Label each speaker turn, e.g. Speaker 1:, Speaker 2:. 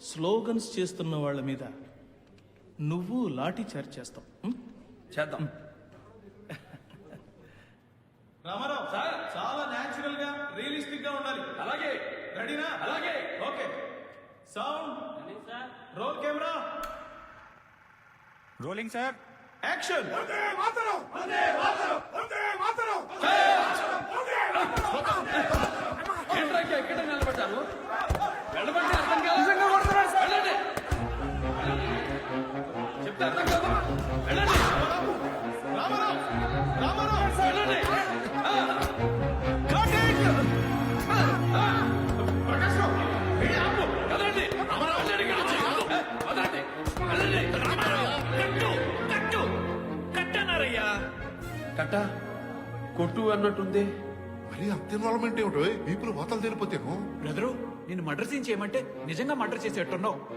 Speaker 1: Slogans చేస్తున్న వాళ్ళ మీద నువ్వు లాఠీ చార్జ్ చేస్తావు.
Speaker 2: చేద్దాం.
Speaker 1: రామారావు సార్, చాలా న్యాచురల్ గా రియలిస్టిక్ గా ఉండాలి.
Speaker 2: అలాగే.
Speaker 1: రెడీనా?
Speaker 2: అలాగే.
Speaker 1: Okay. Sound, roll camera,
Speaker 3: rolling sir.
Speaker 1: Action.
Speaker 2: ఏంట్రా ఇంకా ఎక్కడ నిలబడ్డారు? వెళ్ళబట్టి అర్థం కాదు. వెళ్ళండి. చెప్తే అర్థం కాదు. వెళ్ళండి.
Speaker 1: రామారావు, రామారావు,
Speaker 2: వెళ్ళండి.
Speaker 1: cut it!
Speaker 2: ప్రకాష్ రావు, ఏ ఆపు. కదలండి. వెళ్ళండి ఇక్కడి నుంచి. వదలండి. వెళ్ళండి.
Speaker 3: కట్టన్నారయ్యా.
Speaker 2: కట్ట కొట్టు అన్నట్టుంది.
Speaker 4: మరి అంత ఇన్వాల్వ్మెంట్ ఏమిటో వీపులు వాతలు తెలిపోతేను.
Speaker 3: బ్రదరు, నేను మర్డర్ సీన్ చేయమంటే నిజంగా మర్డర్ చేసేట్టున్నావు.